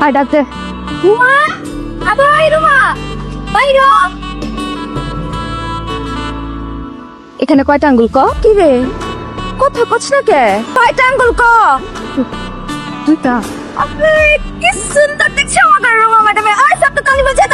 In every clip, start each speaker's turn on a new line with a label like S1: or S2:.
S1: আর ডাকতে রুমা আবার রুমা বাইরো এখানে কয়টা আঙ্গুল ক কি রে কথা কছ না কে কয়টা আঙ্গুল ক দুইটা আপনি কি সুন্দর দেখছো আমার রুমা ম্যাডাম আর সব তো তালি বাজা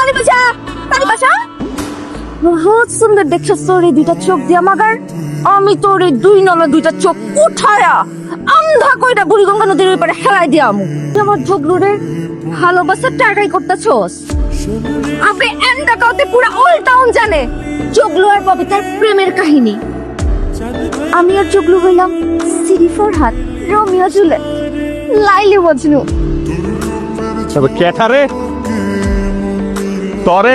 S1: বহুত সুন্দর দেখছো তোর এই দুইটা চোখ দিয়া মাগার আমি তোর এই দুই নলা দুইটা চোখ উঠায়া আন্ধা কইটা বুড়িগঙ্গা নদীর ওই পারে হেলাই দিয়ামু আমার ঝগড়ুরে ভালোবাসা টাকাই করতেছস আপনি এন্ডা কাউতে পুরো অল টাউন জানে জগলু আর ববিতার প্রেমের কাহিনী আমি আর জগলু হইলাম সিরি ফরহাদ রোমিও জুলিয়েট লাইলি মজনু
S2: তবে কেঠারে তরে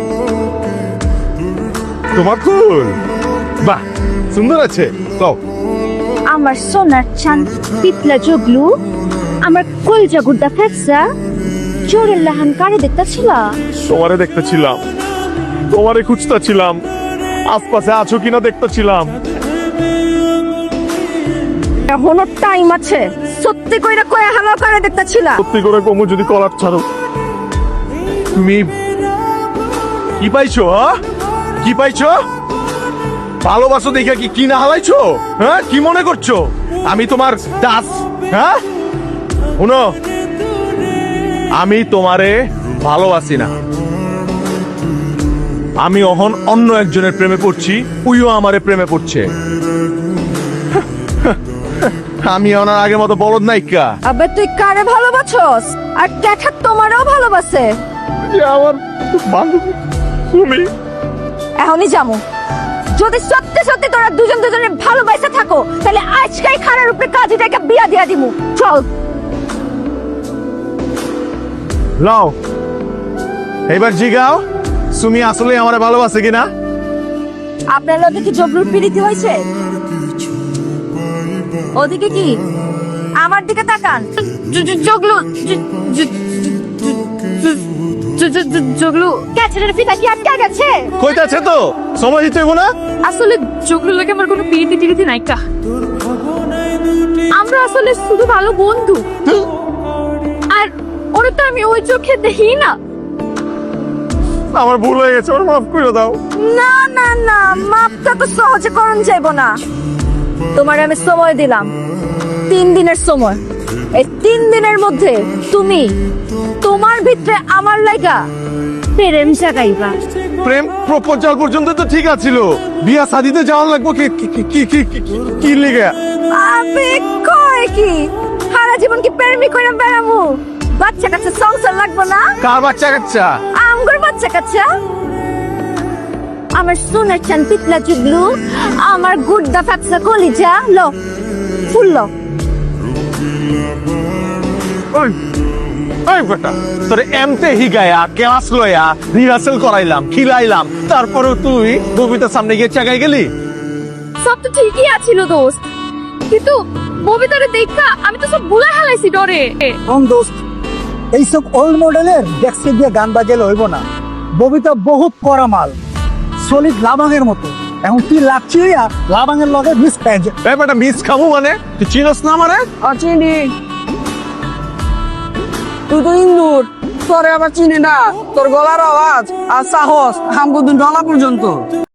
S2: তোমার ফুল বাহ সুন্দর আছে কও
S1: আমার সোনার চান পিতলা জগলু আমার কলজা গুড্ডা ফেকসা জোরের লাহান কারে দেখতেছিল
S2: তোমারে দেখতেছিলাম তোমারে খুঁজতেছিলাম আশপাশে আছো কিনা দেখতেছিলাম
S1: এখনো টাইম আছে সত্যি কইরা কয়ে হালা করে দেখতেছিল
S2: সত্যি করে কমু যদি কলার ছাড়ো তুমি কি পাইছো কি পাইছো ভালোবাসো দেখে কি কিনা হালাইছো হ্যাঁ কি মনে করছো আমি তোমার দাস হ্যাঁ শুনো আমি তোমারে ভালোবাসি না আমি অহন অন্য একজনের প্রেমে পড়ছি উইও আমারে প্রেমে পড়ছে আমি ওনার আগের মতো বলদ নাইকা
S1: আবে তুই কারে ভালোবাসছস আর ক্যাঠা তোমারও ভালোবাসে
S2: আমার বান্ধবী তুমি
S1: এখনই যামু যদি সত্যি সত্যি তোরা দুজন দুজনের ভালোবাসা থাকো তাহলে আজকেই খারার উপরে কাজীটাকে বিয়া দিয়া দিমু চল
S2: লাও এবার জিগাও তুমি আসলে আমারে ভালোবাসে কিনা
S1: আপনার লগে কি জগলুর পিড়িতি হয়েছে ওদিকে কি আমার দিকে তাকান জগলু জগলু ক্যাচের ফিতা কি আটকে গেছে
S2: কইতাছে তো সময় দিতে হইব না
S3: আসলে জগলু লাগে আমার কোনো পিরিতি টিরিতি নাই কা আমরা আসলে শুধু ভালো বন্ধু আর ওরা তো আমি ওই চোখে দেখি না
S2: আমার ভুল হয়ে গেছে আমার মাফ করে দাও
S1: না না না মাপটা তো সহজে করণ যাইব না তোমার আমি সময় দিলাম 3 দিনের সময় এই 3 দিনের মধ্যে তুমি তোমার ভিতরে আমার লাগা প্রেম জাগাইবা
S2: প্রেম প্রপোজাল পর্যন্ত তো ঠিক আছিল বিয়া শাদিতে যাওয়া লাগবো কি কি কি কি কি লিগে
S1: আবে কয় কি সারা জীবন কি প্রেমই করে বেড়ামু বাচ্চা কাচ্চা সংসার লাগবো না
S2: কার বাচ্চা কাচ্চা
S1: আমগর বাচ্চা কাচ্চা আমার সোনার চান পিতলা জুগলু আমার গুড্ডা ফ্যাপসা কলিজা লো ফুল লো
S2: ওই ওই বেটা তোরে এমতে হিগায়া ক্লাস লয়া রিহার্সাল করাইলাম খিলাইলাম তারপরে তুই ববিতার সামনে গিয়ে চাগাই গেলি
S3: সব তো ঠিকই আছিল দোস্ত কিন্তু ববিতারে দেখা আমি তো সব ভুলে হালাইছি ডরে
S4: কোন দোস্ত এইসব ওল্ড মডেলের ডেস্কে দিয়ে গান বাজালে হইব না ববিতা বহুত করা মাল সলিড লাবাঙের মতো এখন তুই লাগছি লাবাঙের লগে মিস প্যাঞ্জ
S2: এই বেটা মিস খামু মানে তুই চিনস না মানে
S5: চিনি তুই তো ইন্দুর তোরে আবার চিনি না তোর গলার আওয়াজ আর সাহস হামগুদুন ডলা পর্যন্ত